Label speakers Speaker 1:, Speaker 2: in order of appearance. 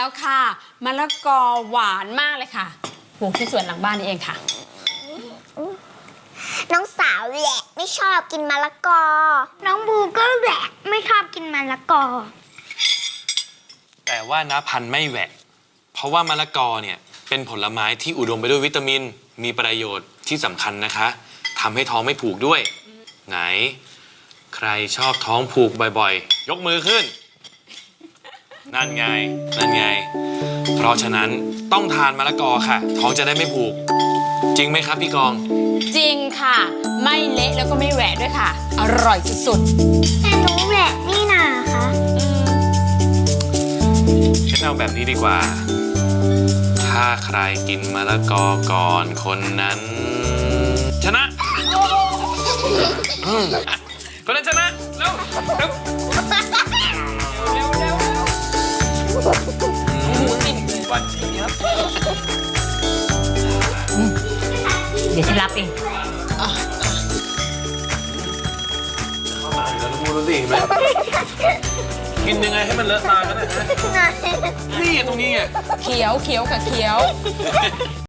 Speaker 1: แล้วค่ะมะละกอหวานมากเลยค่ะปลูกที่สวนหลังบ้านนี่เองค่ะ
Speaker 2: น้องสาวแหละไม่ชอบกินมะละกอน้องบูก็แหละไม่ชอบกินมะละกอ
Speaker 3: แต่ว่าน้าพันธุ์ไม่แหวะเพราะว่ามะละกอเนี่ยเป็นผลไม้ที่อุดมไปด้วยวิตามินมีประโยชน์ที่สำคัญนะคะทำให้ท้องไม่ผูกด้วยไหนใครชอบท้องผูกบ่อยๆยกมือขึ้นนั่นไงนั่นไงเพราะฉะนั้นต้องทานมะละกอค่ะท้องจะได้ไม่ผูกจริงไหมครับพี่กอง
Speaker 1: จริงค่ะไม่เละแล้วก็ไม่แหวะด้วยค่ะอร่อยสุด
Speaker 2: ๆแต่หนูแหละนี่นาคะ
Speaker 3: ฉันเอาแบบนี้ดีกว่าถ้าใครกินมะละกอก่อนคนนั้นชนะคนนั้นชนะเร็วเร็ววันนี้
Speaker 4: เดี๋ยวฉันรับเอง
Speaker 3: เข้ามาอยู่แล้วนะพูดรู้สิเห็นไหมกินยังไงให้มันเลอะตากันนะฮะนี่ตรงนี้ไง
Speaker 1: ๆเขียวค่ะเขียว